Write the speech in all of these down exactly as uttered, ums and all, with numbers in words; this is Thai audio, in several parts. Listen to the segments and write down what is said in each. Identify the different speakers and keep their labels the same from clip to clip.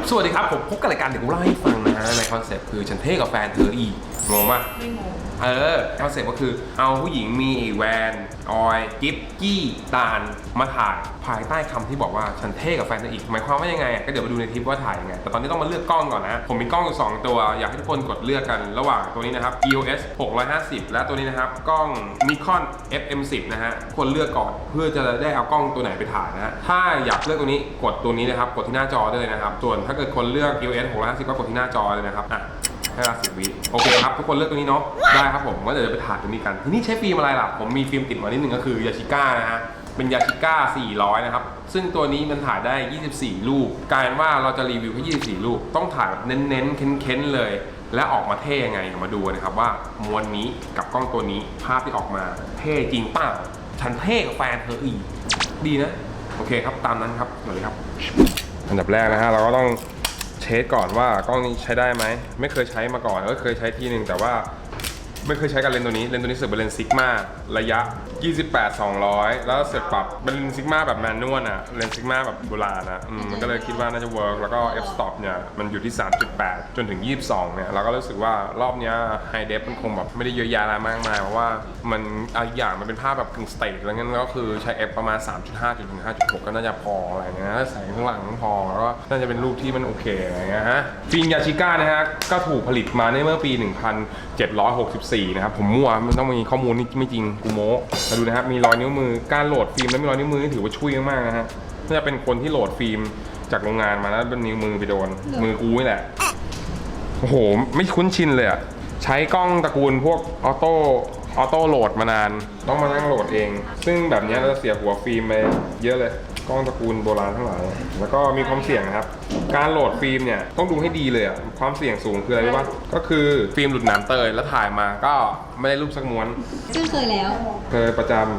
Speaker 1: สวัสดีครับผมพบกับรายการเดี๋ยวกูเล่าให้ฟังนะฮะในคอนเซ็ปต์คือฉันเท่กับแฟนเธออีกงงป่ะไม่งงเออคอนเซ็ปต์ก็คือเอาผู้หญิงมีแวนออยกิฟกี้ตาลมาถ่ายภายใต้คำที่บอกว่าฉันเท่กับแฟนเธออีกหมายความว่ายังไงก็เดี๋ยวมาดูในคลิปว่าถ่ายยังไงแต่ตอนนี้ต้องมาเลือกกล้องก่อนนะผมมีกล้องอยู่สองตัวอยากให้ทุกคนกดเลือกกันระหว่างตัวนี้นะครับ อี โอ เอส หกร้อยห้าสิบและตัวนี้นะครับกล้อง Nikon เอฟ เอ็ม สิบ นะฮะคนเลือกก่อนเพื่อจะได้เอากล้องตัวไหนไปถ่ายนะฮะถ้าอยากเลือกตัวนี้กดตัวนี้นะครับกดที่หน้าจอได้เลยนะครับส่วนถ้าเกิดคนเลือก อี โอ เอส หกร้อยห้าสิบก็กดที่หน้าจอเลยนะครับอ่ะให้เวลาสิบวิโอเคครับทุกคนเลือกตัวนี้เนาะได้ครับผมก็เดี๋ยวจะไปถ่ายตัวนี้กันทีนี้ใช้ฟิล์มอะไรล่ะผมมีฟิล์มติดมานิดนึงก็คือยาชิก้านะฮะเป็นยาชิก้าสี่ร้อยนะครับซึ่งตัวนี้มันถ่ายได้ยี่สิบสี่รูปกลายเป็นว่าเราจะรีวิวแค่ยี่สิบสี่รูปต้องถ่ายแบบเน้นๆเค้นๆเลยและออกมาเท่ยังไงมาดูนะครับว่ามวลนี้กับกล้องตัวนี้ภาพที่ออกมาเท่จริงเปล่าฉันเท่กับแฟนเธออีกดีนะโอเคครับตามนั้นครับสวัสดีครับอันดับแรกนะฮะเราก็ต้องเช็คก่อนว่ากล้องนี้ใช้ได้ไหมไม่เคยใช้มาก่อนก็เคยใช้ทีนึงแต่ว่าไม่เคยใช้กับเลนส์ตัวนี้เลนส์ตัวนี้เสือกเป็นเลนส์ซิกมาระยะยี่สิบแปด สองร้อยแล้วเสือกปรับเป็นเลนส์ซิกมาแบบแมนนวลอะเลนส์ซิกมาแบบโบราณอะมันก็เลยคิดว่าน่าจะเวิร์กแล้วก็ f stop เนี่ยมันอยู่ที่ สามจุดแปด จนถึงยี่สิบสองเนี่ยเราก็รู้สึกว่ารอบนี้ไฮเดฟมันคงแบบไม่ได้เยอะแยะอะไรมากมายเพราะว่ามันอีกอย่างมันเป็นภาพแบบกึ่งสเตทแล้วงั้นก็คือใช้ f ประมาณ สามจุดห้า จนถึง ห้าจุดหก ก็น่าจะพออะไรเงี้ยใส่ข้างหลังพอแล้วก็น่าจะเป็นรูปที่มันโอเคอะไรเงี้ยฮะฟิล์มยาชิก้านะฮะก็ถูกผลิตมาในเมื่อปี หนึ่งพันเจ็ดร้อยหกสิบสี่ นะครับผมมั่วมันต้องมีข้อมูลนี่ไม่จริงกูโม้มาดูนะครับมีรอยนิ้วมือการโหลดฟิล์มแล้วมีรอยนิ้วมือนี่ถือว่าช่วยมากนะฮะน่าจะเป็นคนที่โหลดฟิล์มจากโรงงานมาแล้วเป็นนิ้วมือไปโดนมือกูนี่แหละโอ้โหไม่คุ้นชินเลยอะใช้กล้องตระกูลพวกออโต้ออโต้โหลดมานานต้องมานั่งโหลดเองซึ่งแบบนี้เราจะเสียหัวฟิล์มไปเยอะเลยกล้องตระกูลโบราณทั้งหลายแล้วก็มีความเสี่ยงนะครับการโหลดฟิล์มเนี่ยต้องดูให้ดีเลยอะความเสี่ยงสูงคืออะไรรู้ป่ะก็คือฟิล์มหลุดน้ำเตยแล้วถ่ายมาก็ไม่ได้รูปสักม้วน
Speaker 2: ซึ่งเคยแล้ว
Speaker 1: เคยประจำ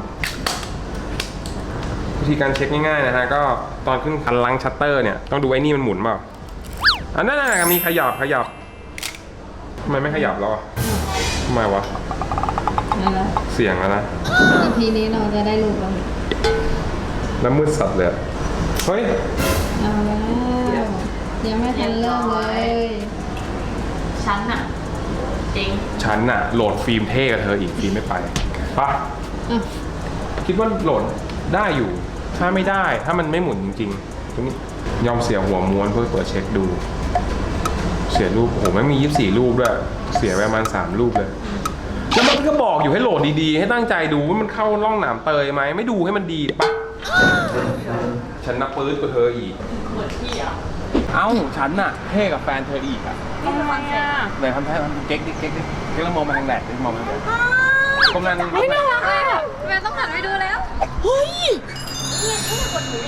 Speaker 1: วิธีการเช็คง่ายๆนะฮะก็ตอนขึ้นคันลังชัตเตอร์เนี่ยต้องดูไอ้นี่มันหมุนเปล่าอันนั้นน่ะมีขยับขยับทำไมไม่ขยับแล้วอ่ะทำไมวะเสียงแล้วนะ
Speaker 2: ทีนี้เราจะได้รูปแล้ว
Speaker 1: แล้วมืดสัตว์เลยเฮ้ย
Speaker 2: เอาแล้วยังไม่ทันเริ่มเลย
Speaker 3: ฉันน่ะจริง
Speaker 1: ฉันน่ะโหลดฟิล์มเท่กับเธออีกฟิล์มไม่ไปปะคิดว่าโหลดได้อยู่ถ้าไม่ได้ถ้ามันไม่หมุนจริงๆตรงนี้ยอมเสียหัวม้วนเพื่อเปิดเช็คดูเสียรูปโอ้โหไม่มียี่สิบสี่รูปด้วยเสียไปประมาณสามรูปเลยแล้วมันก็บอกอยู่ให้โหลดดีๆให้ตั้งใจดูว่ามันเข้าร่องหนามเตยไหมไม่ดูให้มันดีปะฉันนับปื๊ดกับเธออีก
Speaker 3: เหมือนพี่อ่ะ
Speaker 1: เอ้าฉันน่ะเท่กับแฟนเธออีกอ่ะ
Speaker 3: ทำไมอ่ะ
Speaker 1: ไหนทำท่าเก๊กดิเก๊กดิเก๊กแล้วมองมาทางแดดดิมองมาทางแดดกำลัง
Speaker 3: ไม่น่ารักเลยอ่ะแม่ต้องหันไปดูแล้วเฮ้ยนี่นี่คนหนู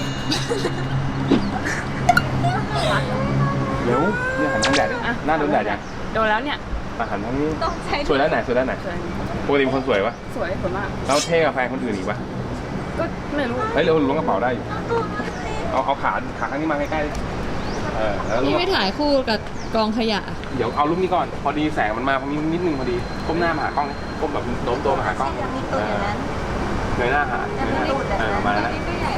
Speaker 1: เร็วเนี่ยหันทางแดดดิหน้าโดนแดดยัง
Speaker 3: โดนแล้วเนี่ย
Speaker 1: มาหันทางนี้สวยด้านไหนสวยด้านไหนปกติเป็นคนสวยวะ
Speaker 3: สวยสวยมาก
Speaker 1: แล้วเท่กับแฟนคนอื่นอีกปะ
Speaker 3: ก็ไม่รู้
Speaker 1: เฮ้ยเร็วล้วงกระเป๋าได้อยู่เอาเอาขาขาข้างนี้มาใกล้ๆเออแล้ว
Speaker 2: นี่ไม่ถ่ายคู่กับกองขยะ
Speaker 1: เดี๋ยวเอารูปนี้ก่อนพอดีแสงมันมาพอดีนิดนึงพอดีก้มหน้ามาหากล้องก้มแบบโน้มตัวมาหากล้องเงยหน้าหาเออมาแล้ว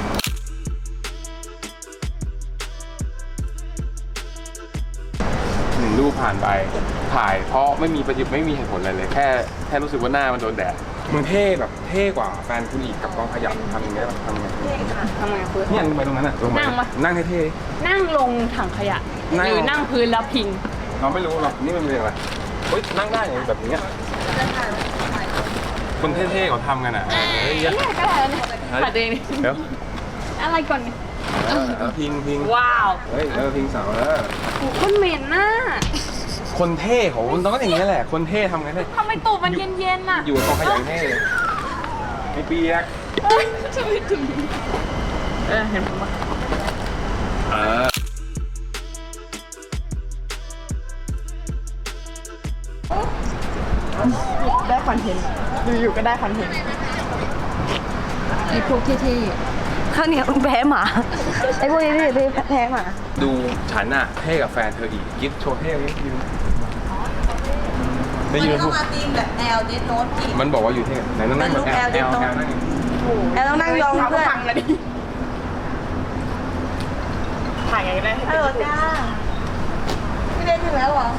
Speaker 1: หนึ่งรูปผ่านไปถ่ายเพราะไม่มีประโยชน์ไม่มีเหตุผลอะไรเลยแค่แค่รู้สึกว่าหน้ามันโดนแดดมึงเท่แบบเท่กว่าแฟนคุณอีกกับกองขยับทำยังไงทำยังไง
Speaker 3: ทำไงพื้น
Speaker 1: เนี่ยลงไปตรงนั้นอ่ะ
Speaker 3: นั่งปะ
Speaker 1: นั่งเท่
Speaker 3: ๆนั่งลงถังขยะหรือนั่งพื้นแล้วพิง
Speaker 1: เราไม่รู้หรอกนี่มันเป็นอะไรเฮ้ยนั่งได้อย่างแบบนี้คนเท่ๆเขาทำกันอ่ะ
Speaker 3: เฮ้ยก็ได้เนี่ยขัดเองนี่
Speaker 1: เดี๋ยว
Speaker 3: อะไรก่อน
Speaker 1: เออพิงพิง
Speaker 3: ว้าว
Speaker 1: เฮ้ยเออพิงเสาแล้ว
Speaker 3: โอ้คนเหม็นน่ะ
Speaker 1: คนเท่ของมันต้องอย่างนี้แหละคนเท่ทำไงเท่
Speaker 3: ทำไมตูดมันเย็นๆน่ะ
Speaker 1: อยู่กองขยะเท่ไม่เปียก
Speaker 3: ช่วยถึงเออเห็นผมปะ
Speaker 1: เออ
Speaker 3: ได้คอนเทนต์อยู่ๆก็ได้คอนเทนต์
Speaker 2: ไอ้พวกเท่
Speaker 3: ๆข้าวเหนียวแพ้หมาไอ้พวกนี้ที่แพ้หมา
Speaker 1: ดูฉันอะเท่กับแฟนเธออีกกิ๊บโชว์เท่ไหมยิ้ม
Speaker 4: มันต้องมาตีมแบบแอลเดนโน้ตอีก
Speaker 1: มันบอกว่าอยู่เท่ไหนต้องนั่งแบบแอลแอลแอลนั่ง
Speaker 4: แอลต้องนั่งยองเพื่อน
Speaker 3: ถ่ายไงก็ได้
Speaker 4: ฮัลโหลจ้าพี่เล่นถึงแล้วเหรอ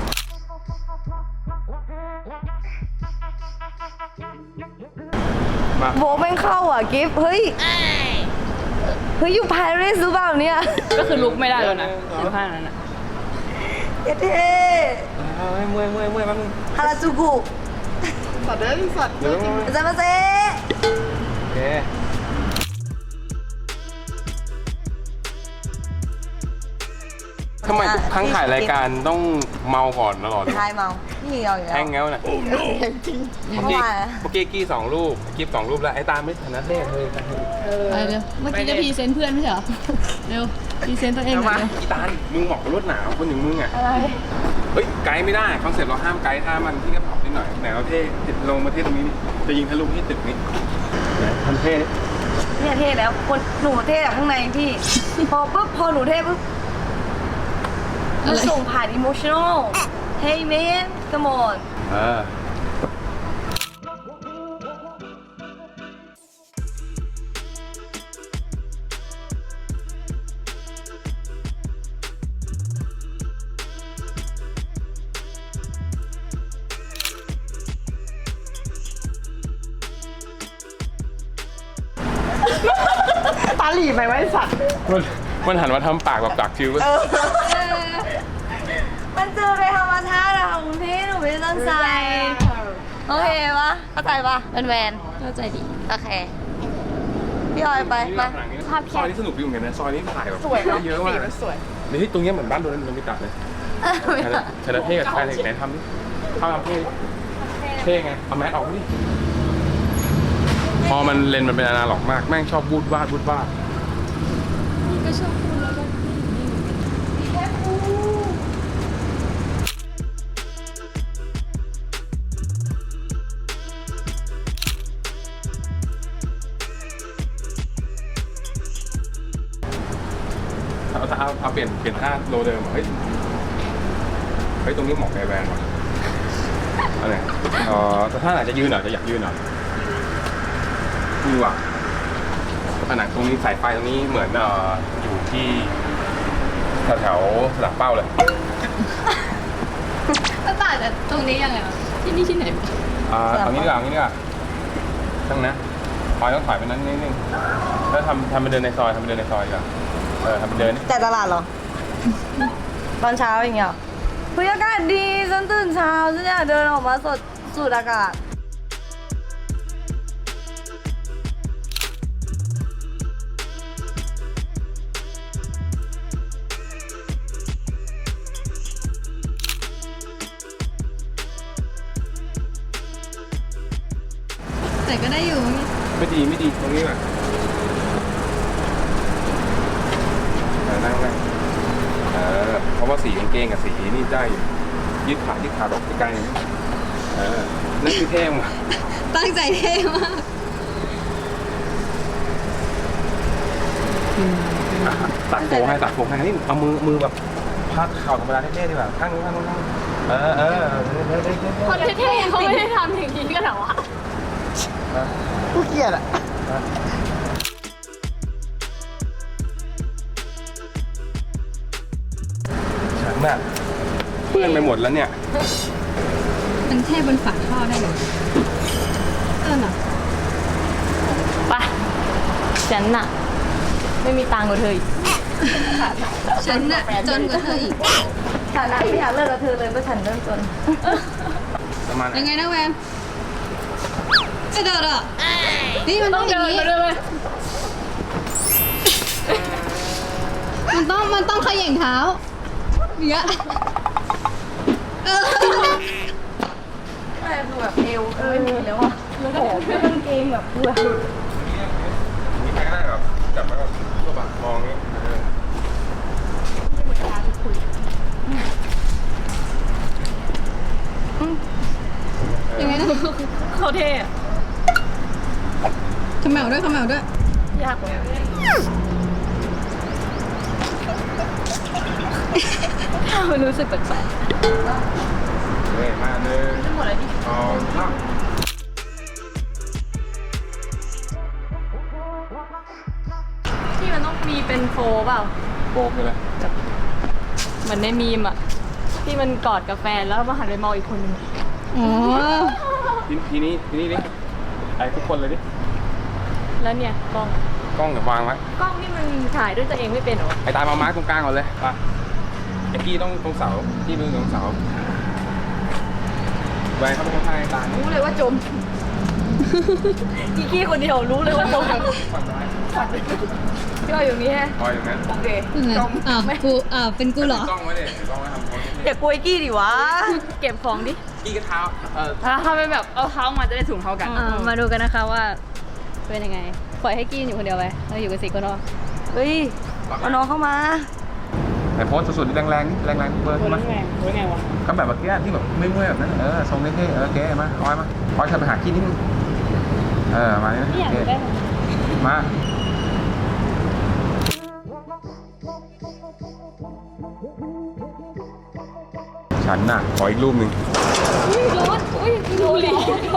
Speaker 1: มา
Speaker 4: โบแม่งเข้าอ่ะกิฟต์เฮ้ย เฮ้ย อยู่ปารีสหรือเปล่าเนี่ย
Speaker 3: ก็คือลุกไม่ได้แล้วนะอยู่ข้างนั้นนะ
Speaker 4: เท่
Speaker 1: เฮ้ยเมื่อยเมื่อยเมื่อยแป๊บนึง
Speaker 4: ฮาราจูกุ
Speaker 3: สัตว์เด้อสัตว์
Speaker 1: เดี๋ยว
Speaker 4: อาจารย์มาเซ่
Speaker 1: โอเคทำไมทุกครั้งถ่ายรายการต้องเมาก่อนตลอดเลย
Speaker 4: ทายเมาพี่เอาอยู่แล้ว
Speaker 1: แห้งเงี้ยวน่ะ
Speaker 4: เมื่
Speaker 1: เมื่
Speaker 4: อ
Speaker 1: อกี้
Speaker 4: วาน
Speaker 1: เมื่อกี้กี้สองรูปกิ๊บสองรูปแล้วไอ้ตาไม่ถนัดเลขเลย
Speaker 2: ไปเร็วเมื่อกี้จะพรีเซนต์เพื่อนไม่ใช่เหรอ เร็วพรีเซนต์ตัวเองหน่
Speaker 1: มา
Speaker 2: อยเร็ว
Speaker 1: อีตามึงเหมาะกับรถหนาวคนอย่างมึงอ่ะอะไรเฮ้ยไกด์ไม่ได้คอนเซ็ปต์เราห้ามไกด์ถ้ามันที่กระเป๋านิดหน่อยไหนเราเท่ลงมาเท่ตรงนี้จะยิงทะลุที่ตึกนี้ไหนทำเท่
Speaker 4: เนี่ยเท่แล้วคนหนูเท่จากข้างในพี่ พอปุ๊บพอหนูเท่ปุ๊บมันส่งผ่านอิโมชั่นอล Hey man come on
Speaker 1: เออ
Speaker 3: ตาหลีไปไว้สัตว์
Speaker 1: มันมันหันมาทำปากแบบปากคิ้ว
Speaker 4: มันเจอไปธรรมชาติอะค่ะคุณพี่หนูไม่ได้ตั้งใจ โอเคปะเข้าใจปะเป็นแวน
Speaker 2: เข้าใจดี
Speaker 4: โอเค พี่ออยไปมา
Speaker 1: ซอยนี้สนุกดีเหมือนกันนะซอยนี้ถ่ายแบบเยอะมากเลย
Speaker 3: สวย
Speaker 1: เดี๋ยวที่ตรงเนี้ยเหมือนบ้านโดนโดนมิตะเลยชนะเท่กับชายไหนทำดิทำทำเท่เท่ไงเอาแมสออกดิพอมันเลนมันเป็นอนาล็อกมากแม่งชอบบูดวาดบูดวาด
Speaker 2: ก็ชอบพูดแล้วก็
Speaker 1: เอาเอาเอาเปลี่ยนเปลี่ยนท่าโลเดิมเฮ้ยเฮ้ยตรงนี้เหมาะกับแวนว่ะอะไรเออแต่ถ้าไหนจะยืนหน่อยจะอยากยืนหน่อยนี่ว่ะผนังตรงนี้สายไฟตรงนี้เหมือนเอ่ออยู่ที่แถวๆสนามเป้าเลย
Speaker 2: ก็ต่างจากตรงนี้ยังไงวะที่นี่ที่ไหน
Speaker 1: อ่าเอางี้ดีกว่าเอางี้ดีกว่าตั้งนะถอยต้องถอยไปนั้นนิดนึงแล้วทำทำไปเดินในซอยทำไปเดินในซอยดีกว่าเออทำไปเดิน
Speaker 4: แต่ตลาดเหรอ ตอนเช้าอย่างเงี้ยเหรอเฮ้ยอากาศดีฉันตื่นเช้าฉันอยากเดินออกมาสดสูดอากาศ
Speaker 2: แต่ก็ได้อยู่
Speaker 1: ไม่ดีไม่ดีตรงนี้แหละเออนั่งนั่งเออเพราะว่าสีกางเกงกับสีนี่ได้อยู่ยืดขายืดขาดอกใกล้ๆเออนั่นคือเท่ว่ะ
Speaker 2: ตั้งใจเท่มาก
Speaker 1: อ่ะตัดโฟให้ตัดโฟให้นี่เอามือมือแบบพักเข่าธรรมดาเท่ๆดีกว่าข้างนู้นข้างนู้นข้างนู้นเออเออเท่ๆเท่ๆ
Speaker 3: คนเท่ๆเขาไม่ได้ทำอย่างนี้กันเหรอวะ
Speaker 4: กูเกลียดอ่ะ
Speaker 1: ฉันน่ะเปื้อนไปหมดแล้วเนี่ย
Speaker 2: มันเท่บนฝาท่อได้เลยเออเหรอ
Speaker 3: ไปฉันน่ะ ไม่มีตังค์กว่าเธออีก
Speaker 2: ฉันน่ะจนกว่าเธออีก
Speaker 4: ฐานะไม่อยากเลิกกับเธอเลยเพราะฉันเริ่มจน
Speaker 1: ประมาณไหน
Speaker 2: ยังไงนะแวมจะเดินอ่ะนี่มันต้องอย่างนี้
Speaker 3: มาด้วยไหม
Speaker 2: มันต้องมันต้องเขย่งเท้าอย่างเงี้ยเออ
Speaker 4: ไม่คือแบบเอวเออไม่มีแล้วอ่ะแล้วก็แบบกางเกงแบบเบื่อ
Speaker 1: มีใครก็ได้แบบจับแล้วก็ตัวบะมองนี้เออ
Speaker 2: ยังไงนะ
Speaker 3: เขาเท่อะ
Speaker 2: ขมเหลาด้วยขมเหลาด้วย
Speaker 3: ยากกว่ามันรู้สึกแปลก
Speaker 1: เฮ้ยมาหนึ่ง
Speaker 3: ๆหมดแล้วดิ
Speaker 1: สองสาม
Speaker 3: ที่มันต้องมีเป็นโฟเปล่า
Speaker 1: โฟบกเลย
Speaker 3: เหมือนในมีมอะที่มันกอดกับแฟนแล้วมาหันไปมองอีกคนนึง
Speaker 2: อ๋อ
Speaker 1: ทีทีนี้ทีนี้ดิไอ้ทุกคนเลยดิ
Speaker 3: แล้วเนี่ยกล้อง
Speaker 1: กล้องเดี๋ยววางไว้
Speaker 3: กล้องนี่มันถ่ายด้วยตัวเองไม่เป็นเหรอ
Speaker 1: ไอ้ตายมามาร์กตรงกลางก่อนเลยไปไอ้กี้ต้องตรงเสากี้เป็นตรงเสาแหวนเข้าไปข้างๆไอ้ตาย
Speaker 3: รู้เลยว่าจมกี้กี้คนเดียวรู้เลยว่าจม
Speaker 1: ฝั่งซ้าย
Speaker 3: พี่อ้อยอยู่นี่ฮะ
Speaker 1: คอยอย่างนั้น
Speaker 3: โอเค
Speaker 2: อ้าวอ้าวกูอ้าวเป็นกูเหรอ
Speaker 1: ถืกล้องไว้เลยถือกล้องไว้ทำโพส
Speaker 4: อย่ากลัวไอ้กี้ดิวะ
Speaker 3: เก็บของดิ
Speaker 1: กี้กระเท้าเออ
Speaker 3: ถ้าถ้าเป็นแบบเอาเท้ามาจะได้ถุงเท่ากันมาดูกันนะคะว่าเป็นยังไงปล่อยให้กี้อยู่คนเดียวไปเราอยู่กันสี่คนเนาะ
Speaker 4: เฮ้ยเอาน้องเข้ามา
Speaker 1: แต่โพสสุดๆแรงๆนี่แรงๆเบอร์ใช่ไหม
Speaker 3: ไงไงวะ
Speaker 1: ก็แบบเมื่อกี้ที่แบบเมื่อยๆแบบนั้นเออทรงเท่ๆเออเก๋มาออยมาออยเธอไปหากี้นิดนึงเออมาเนี่ย
Speaker 3: นี่อยาก
Speaker 1: เก๋
Speaker 3: ได้
Speaker 1: มาฉันน่ะขออีกรูปหนึ่ง
Speaker 3: ร้อนอุ้ยดูหลี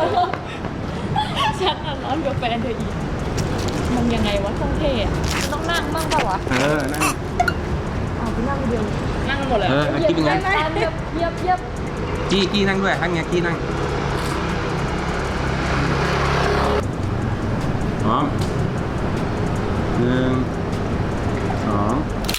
Speaker 3: ฉันอ่ะร้อนกับแฟนเธออีกมันยังไงวะต้องเท่อะต้องนั่งบ้างเปล่าวะ
Speaker 1: เออนั่ง
Speaker 3: อ๋อพี่นั่งคนเดียวนั่งกันหมดเลย
Speaker 1: เออกี้เป็นไง
Speaker 3: เยียบเยียบเยียบ
Speaker 1: กี้กี้นั่งด้วยทั้งเนี้ยกี้นั่งพร้อมหนึ่งสอง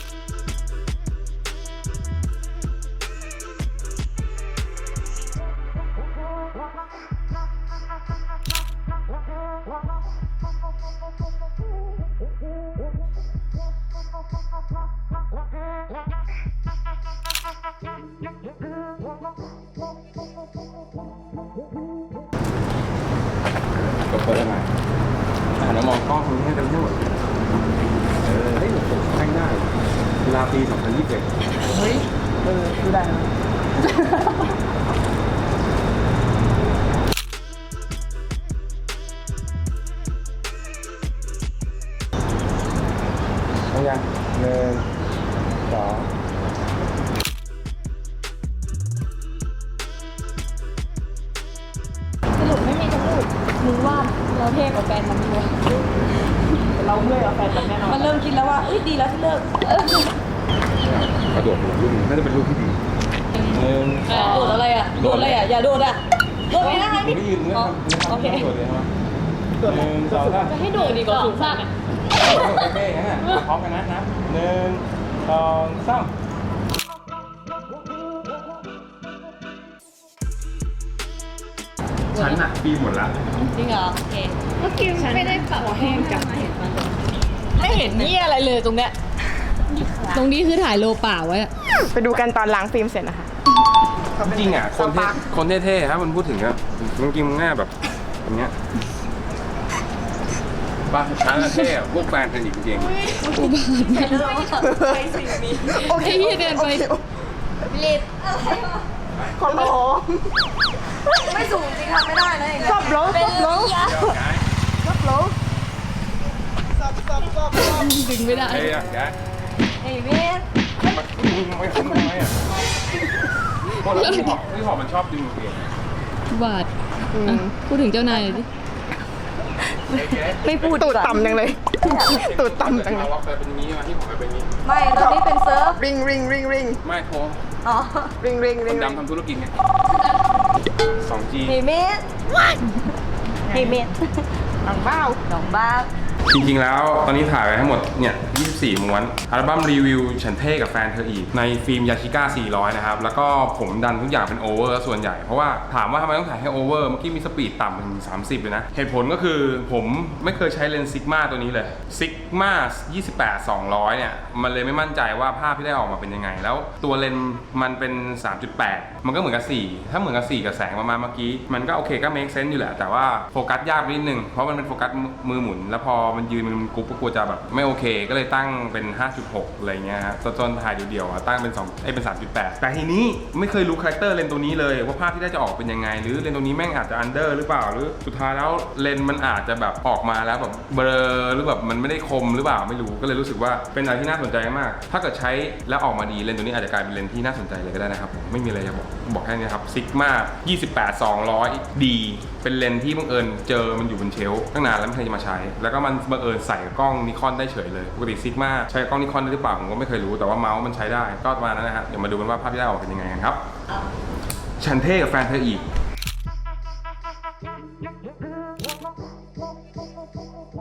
Speaker 1: ก็เปิดได้ไหมหันมามองกล้องตรงนี้ให้กันทั้งหมดเออเฮ้ยแข่งได้กีฬาปีสองพันยี่สิบเอ็ด
Speaker 3: เฮ้ยเออดูได้นะ
Speaker 1: เอายังหนึ่งสอง
Speaker 3: สรุปไม่มีทั้งลูกมึงว่าเราเท่กว่าแฟนมันด้วยเราเมื่อยกว่าแฟนมันแน่นอน
Speaker 4: มันเริ่มคิดแล้วว่าเอ้ยดีแล้วที่เลิก
Speaker 1: กระโดดหัวลูกน่าจะเป็นลูกที่ดีหนึ่ง
Speaker 3: โดดอะไรอ่ะโดดอะไรอ่ะอย่าโดดอ่ะโดดไม่ได้
Speaker 1: ผมไม่ยืนเนื้อทำเนื้อทำ
Speaker 3: โอเค
Speaker 1: โดดเลยใช่ไหมหนึ่งสองสาม
Speaker 3: จะให้โดดดีกว่าสูงมากอ่ะ
Speaker 1: โอเคงั้นน่ะพร้อมกันนะนะหนึ่งสองสามฉันน่ะปีหมดแล้ว
Speaker 3: จริงเหรอโอเคเมื่อกี้ไม่ได้ปรับแห้งกันไม่เห็นนี่อะไรเลยตรงเนี้ย
Speaker 2: ตรงนี้คือถ่ายโลเปล่าไว้อะ
Speaker 4: ไปดูกันตอนล้างฟิล์มเสร็จนะคะ
Speaker 1: จริงอ่ะคนเท่คนเท่ๆถ้ามันพูดถึงอ่ะมันกินง่ายแบบอย่างเงี้ยป้าฉันน่ะเท่อะพวกแฟนเป็นอีกจริง
Speaker 2: โอเคที่เดินไป
Speaker 4: ขอร้องไม่สูงจริงทำไม่ได้นะอย่างเงี้ยซับลงซับลง
Speaker 1: เดี๋ยวย้าย
Speaker 4: ซับลง
Speaker 2: ดึงไม่ได้
Speaker 1: เฮ้ยย้าย
Speaker 4: เฮ้ยเมส
Speaker 1: มันมึงไม่ทำทำไมอ่ะพวกเราที่หอบที่หอบมันชอบดึงเอง
Speaker 2: บาดอ่ะพูดถึงเจ้านายหน่อยดิ
Speaker 4: ไม่พูดตูดต่ำจังเลยตูดต่ำจัง
Speaker 1: เราล็อกไปเป็นนี้มาที่หอบไปเป็นนี้
Speaker 4: ไม่ตอนนี้เป็นเซิร์ฟ
Speaker 5: ริงริงริงริง
Speaker 1: ไม่โทร
Speaker 4: อ๋อ
Speaker 5: ริงริง
Speaker 1: ค
Speaker 5: ริง
Speaker 1: นดำทำธุรกิจไงสองจี
Speaker 4: เฮ้ยเมสเฮ้ยเมส
Speaker 5: หนังเบ้า
Speaker 4: น้องบ้า
Speaker 1: จริงๆแล้วตอนนี้ถ่ายไปทั้งหมดเนี่ยยี่สิบสี่ม้วนอัลบั้มรีวิวฉันเท่กับแฟนเธออีกในฟิล์มยาชิก้าสี่ร้อยนะครับแล้วก็ผมดันทุกอย่างเป็นโอเวอร์ส่วนใหญ่เพราะว่าถามว่าทำไมต้องถ่ายให้โอเวอร์เมื่อกี้มีสปีดต่ำถึงสามสิบเลยนะเหตุผลก็คือผมไม่เคยใช้เลนส์ซิกมาตัวนี้เลยซิกมายี่สิบแปด สองร้อยเนี่ยมันเลยไม่มั่นใจว่าภาพที่ได้ออกมาเป็นยังไงแล้วตัวเลนส์มันเป็น สามจุดแปด มันก็เหมือนกับสี่ถ้าเหมือนกับสี่กับแสงประมาณเมื่อกี้มันก็โอเคก็ make sense อยู่แหละแต่ว่าโฟกัสยากนิดนึงเพราะมันเป็นโฟกัสมือหมุนแล้วพอมันยืนมันกรุ๊ปก็กลัวจะแบบไม่โอเคก็เลยตั้งเป็น ห้าจุดหก อะไรเงี้ยฮะจนถ่ายเดียวๆอะตั้งเป็นสองเอ้ยเป็น สามจุดแปด แต่ทีนี้ไม่เคยรู้คาแรคเตอร์เลนส์ตัวนี้เลยว่าภาพที่ได้จะออกเป็นยังไงหรือเลนส์ตัวนี้แม่งอาจจะอันเดอร์หรือเปล่าหรือสุดท้ายแล้วเลนส์มันอาจจะแบบออกมาแล้วแบบเบลอหรือแบบมันไม่ได้คมหรือเปล่าไม่รู้ก็เลยรู้สึกว่าเป็นอะไรที่น่าสนใจมากถ้าเกิดใช้แล้วออกมาดีเลนส์ตัวนี้อาจจะกลายเป็นเลนส์ที่น่าสนใจเลยก็ได้นะครับผมไม่มีอะไรจะบอกบอกแค่นี้ครับซิกมายี่สิบแปด สองร้อย ดีเป็นเลนส์ที่บังเอิญเจอมันอยู่บนเชลฟ์ตั้งนานแล้วไม่เคยจะมาใช้แล้วก็มันบังเอิญใส่กล้องนิคอนได้เฉยเลยปกติซิกมาใช้กล้องนิคอนได้หรือเปล่าผมก็ไม่เคยรู้แต่ว่าเมาส์มันใช้ได้ก็ประมาณนั้นนะฮะเดี๋ยวมาดูกันว่าภาพที่ได้ออกเป็นยังไงกันครับฉันเท่กับแฟนเธออีก